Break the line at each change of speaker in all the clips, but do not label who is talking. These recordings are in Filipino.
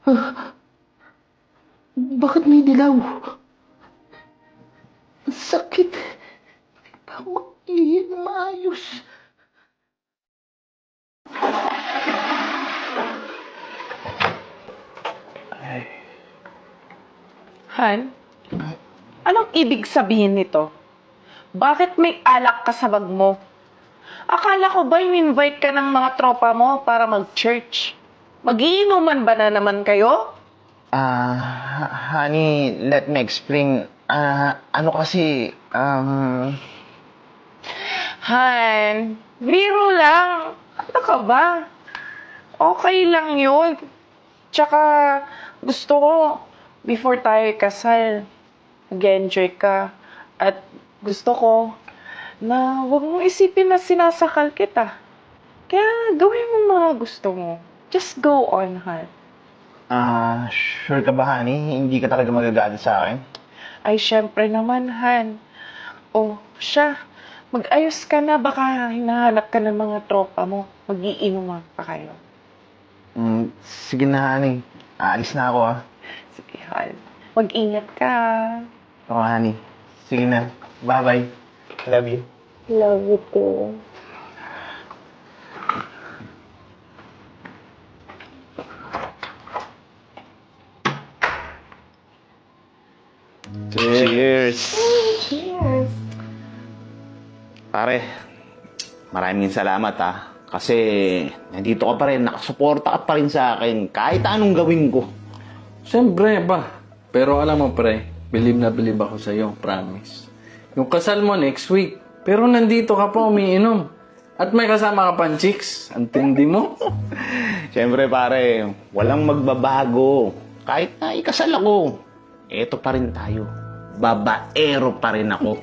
Bakit may dilaw? Ang sakit. Hindi pa ako maayos.
Han, anong ibig sabihin nito? Bakit may alak ka sa bag mo? Akala ko ba in-invite ka ng mga tropa mo para mag-church? Magiinuman ba na naman kayo?
Honey, let me explain. Ano kasi,
Han, biro lang. Ano ka ba? Okay lang yun. Tsaka, gusto ko, before tayo kasal, mag-enjoy ka. At gusto ko, na huwag mong isipin na sinasakal kita. Kaya, gawin mo mga gusto mo. Just go on, Han.
sure ka ba, honey? Hindi ka talaga magagalit sa akin?
Ay, syempre naman, Han. Oh, siya. Mag-ayos ka na. Baka hinahanap ka ng mga tropa mo. Mag-iinuman pa kayo.
Sige na, honey. Aalis na ako, ah.
Sige, Han. Mag-ingat ka.
Oo, honey. Sige na. Bye-bye. Love you.
Love you too.
Cheers!
Cheers.
Pare, maraming salamat Kasi nandito ka pa rin, nakasuporta ka pa rin sa akin kahit anong gawin ko.
Siyempre ba? Pero alam mo pre, believe na believe ako sa'yo, promise. Yung kasal mo next week, pero nandito ka pa umiinom. At may kasama ka pang chicks. Ang tindi mo.
Siyempre pare, walang magbabago. Kahit na ikasal ako, eto pa rin tayo. Babaero pa rin ako.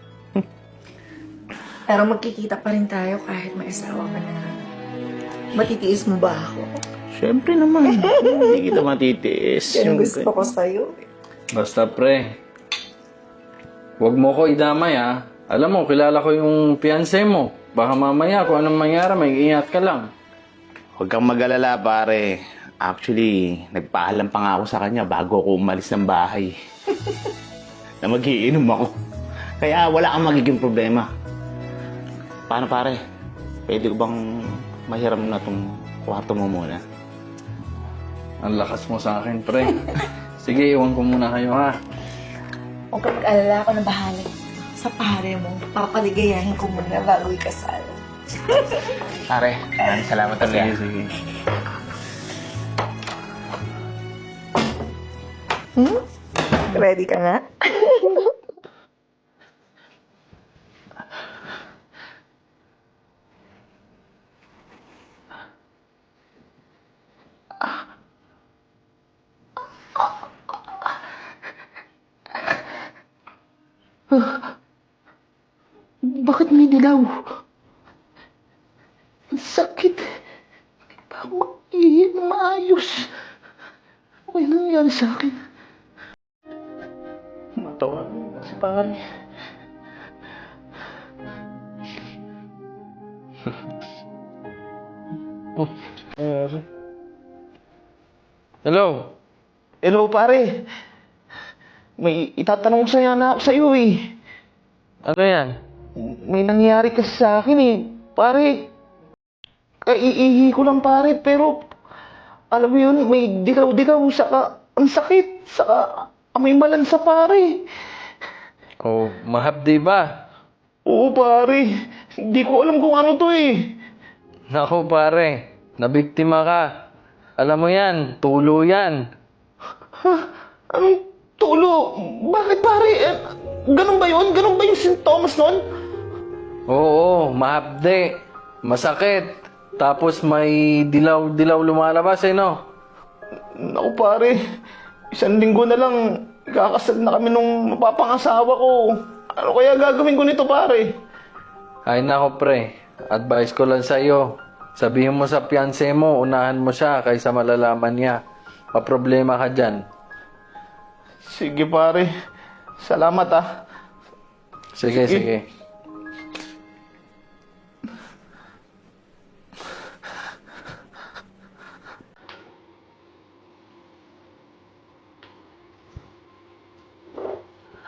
Pero magkikita pa rin tayo kahit may asawa ka na. Matitiis mo ba ako?
Siyempre naman, hindi kita matitiis.
Yan ang
Siyempre.
gusto ko sa'yo.
Basta pre, huwag mo ko idamay Alam mo, kilala ko yung fiancé mo. Baka mamaya kung anong mangyari, may ingat ka lang.
Huwag kang mag-alala pare. Actually, nagpaalam pa nga ako sa kanya bago ako umalis ng bahay. Na magiinom ako. Kaya wala kang magiging problema. Paano pare? Pwede ko bang mahiram na tong kwarto mo muna?
Ang lakas mo sa akin, pre. Sige, iwan ko muna kayo
Huwag ka mag-alala, ako na bahala sa pare mo. Papaligayahin ko muna bago ikasal.
Pare, maraming salamat ulit.
Sige, sige.
Ready ka na?
Bakit may dilaw? Ang sakit. Hindi pa ako maayos. Ano nangyari sa akin? Matawa si pare.
Hello?
Hello, pare. May itatanong sa'yo eh.
Ano yan?
May nangyari kasi sa akin eh. Pare, kaiihi ko lang pare, pero alam mo yun, may dilaw-dilaw, saka ang sakit, saka may malansa pare.
Oh, mahapdi ba?
Oo pare, hindi ko alam kung ano to eh.
Naku pare, nabiktima ka. Alam mo yan, tulo yan.
Ha? Anong tulo? Bakit pare? Ganun ba yun? Ganun ba yung sintomas nun?
Oo, mahapdi. Masakit. Tapos may dilaw-dilaw lumalabas no?
Naku pare, 1 linggo na lang, kakasal na kami nung mapapangasawa ko. Ano kaya gagawin ko nito pare?
Ay nako pre, advice ko lang sa iyo. Sabihin mo sa fiancé mo, unahan mo siya kaysa malalaman niya. Paproblema ka dyan.
Sige pare, salamat ah.
Sige, sige.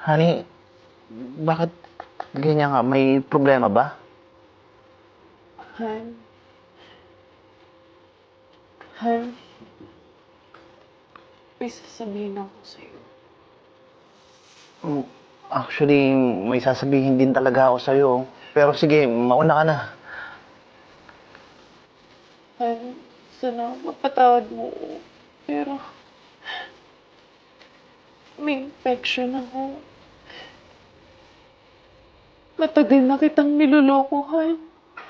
Honey, bakit ganyan ka? May problema ba?
Han. Han. May sasabihin ako sa'yo.
Actually, may sasabihin din talaga ako sa'yo. Pero sige, mauna ka na.
Han, sana mapatawad mo ako. Pero, may infection ako. Matagal na kitang niloloko, Han.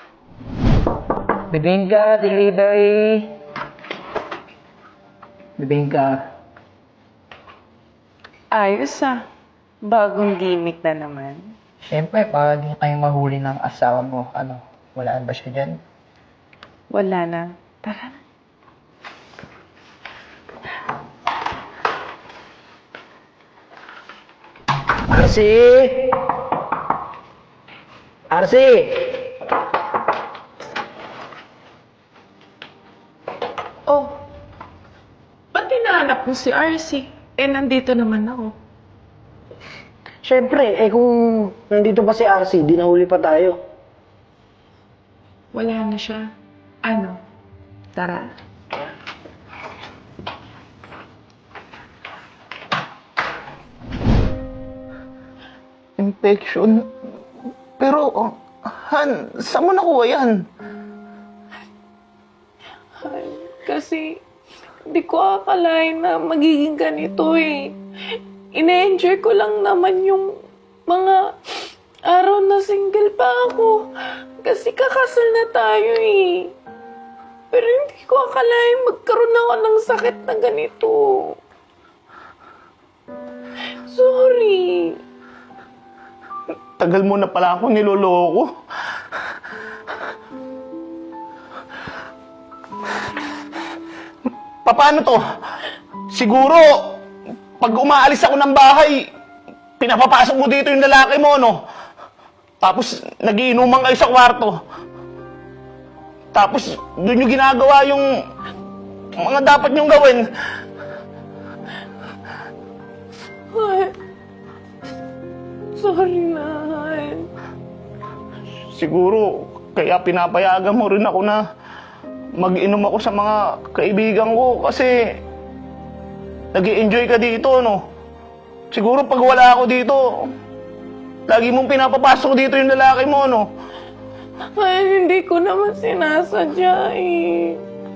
Bibingka, delivery. Bibingka.
Ayos ah. Bagong gimmick na naman.
Siyempre, para di kayo mahuli ng asawa mo. Ano, walaan ba siya dyan?
Wala na. Tara na.
Arsi! Arsi!
Oh, ba't hinahanap mo si RC? Eh, nandito naman ako.
Siyempre, kung nandito pa si Arsi, di nahuli pa tayo.
Wala na siya. Ano? Tara.
Infection? Pero, Han, saan mo nakuha yan?
Kasi, hindi ko akalain na magiging ganito eh. Ina-enjoy ko lang naman yung mga araw na single pa ako. Kasi kakasal na tayo eh. Pero hindi ko akalain magkaroon ako ng sakit na ganito. Sorry.
Tagal mo na pala ako niloloko. Paano to? Siguro, pag umaalis ako ng bahay, pinapapasok mo dito yung lalaki mo, no? Tapos, nagiinuman kayo sa kwarto. Tapos, doon yung ginagawa yung mga dapat niyong gawin.
Han. Sorry na, Han.
Siguro, kaya pinapayagan mo rin ako na mag-inom ako sa mga kaibigan ko kasi nag-i-enjoy ka dito, no? Siguro pag wala ako dito, lagi mong pinapapasok dito yung lalaki mo, no?
Han, hindi ko naman sinasadya eh.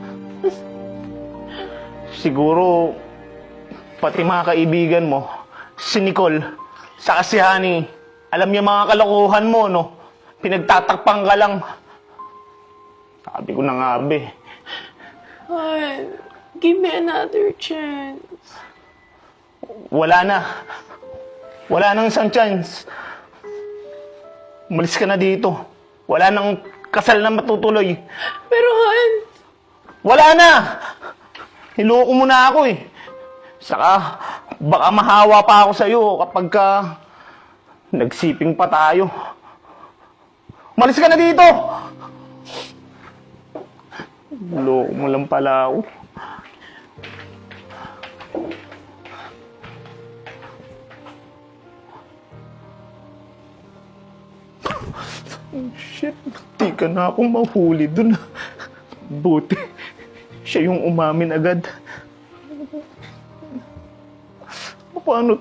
Siguro, pati mga kaibigan mo, si Nicole, saka si Honey, alam niya mga kalokohan mo, no? Pinagtatakpang ka lang. Sabi ko na nga, be.
Han, give me another chance.
Wala na. Wala nang isang chance. Umalis ka na dito. Wala nang kasal na matutuloy.
Pero Han,
Wala na! Niloko mo na ako eh. Saka, baka mahawa pa ako sa'yo kapag ka nagsiping pa tayo. Umalis ka na dito! Niloko mo lang pala ako. Oh, shit, di ka na akong mahuli dun. Buti, siya yung umamin agad. Paano